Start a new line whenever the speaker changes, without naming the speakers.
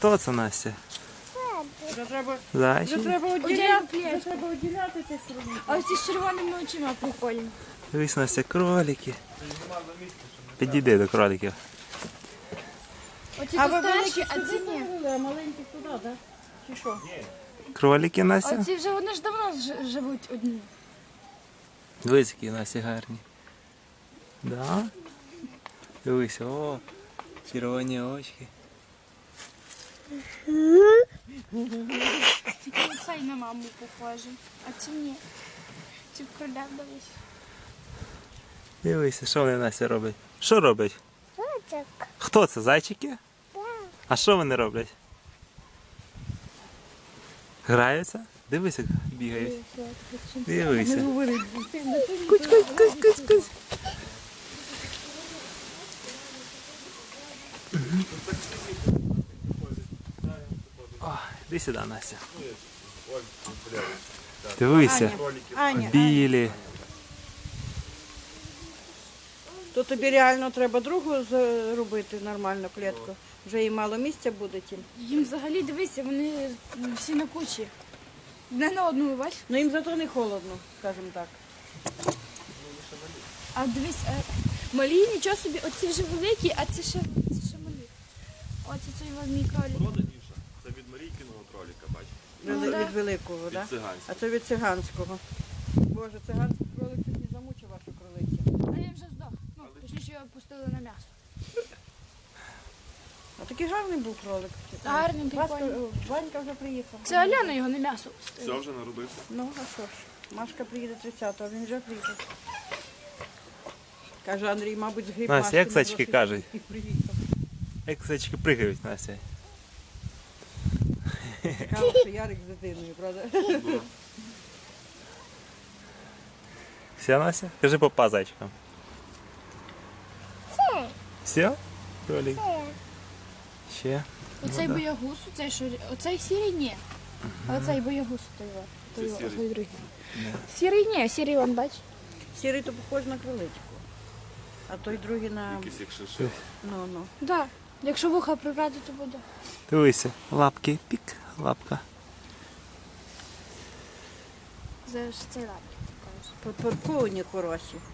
Хто це, Настя?
Вже треба,
Зайчик?
оділяти тих кроликів.
А ось з червоними очима прикольні.
Дивись, Настя, кролики. Підійди до кроликів.
Оці
А
то
ви
старші,
великі
а ці
сюди
ні.
повели, а маленьких туди, так? Чи що?
Кролики, Настя?
Оці вже вони ж давно живуть одні.
Дивись, які Настя гарні. Да? Дивись, о, червоні очки.
Тільки оцей на маму похожий, а ці ні. Ці в кроля дивись.
Дивися, що вони, Настя, роблять? Що роблять? Хто це, зайчики? А що вони роблять? Граються? Дивись, як бігають. Дивися. Кусь, кусь, кусь, кусь, кусь. О, іди сюди, Настя. Дивися,
Аня,
білі.
то тобі реально треба другу зробити нормальну клітку. Вже і мало місця буде тим.
Їм взагалі дивися, вони всі на кучі. Не на одну, бач?
Ну їм зато не холодно, скажімо так.
А дивись, малі нічого собі, оці вже великі, а це ще малі. Оце цей мій кролик.
Проданіше. Це від Марійкиного кроліка, бачиш?
да.
Від великого, так?
циганського.
А це від циганського. Боже, циганський кролик чуть не замучив вашу кролицю.
А він вже здох. Ну, точніше його пустили на м'ясо.
А такий гарний був кролик.
Гарний, прикольний.
Ванька вже приїхав.
Це Аляна його на м'ясо пустила.
Все вже народився.
Ну, а що ж, Машка приїде 30-го, він вже приїхав. Каже, Андрій, мабуть, згріб
Настя,
Машки
як
на
зайчики
досвід
кажуть?
і приїхав.
Як зайчики пригають, Настя.
Каже, що Ярик з дитиною, правда?
Все, Настя? Кажи папа зайчикам. Все? Кролик? Ще?
Оцей боягуз, оцей сірий ні. А оцей боягуз той
сірий.
другий. Сірий ні, сірий вон, бач.
Сірий то похож на кроличку. А той другий на...
Якийсь як шишив.
Ну.
Да. Якщо вуха прибрати, то буде.
Дивися, лапки, пік, лапка.
Зараз цей лапки покажу.
Подпорковані хороші.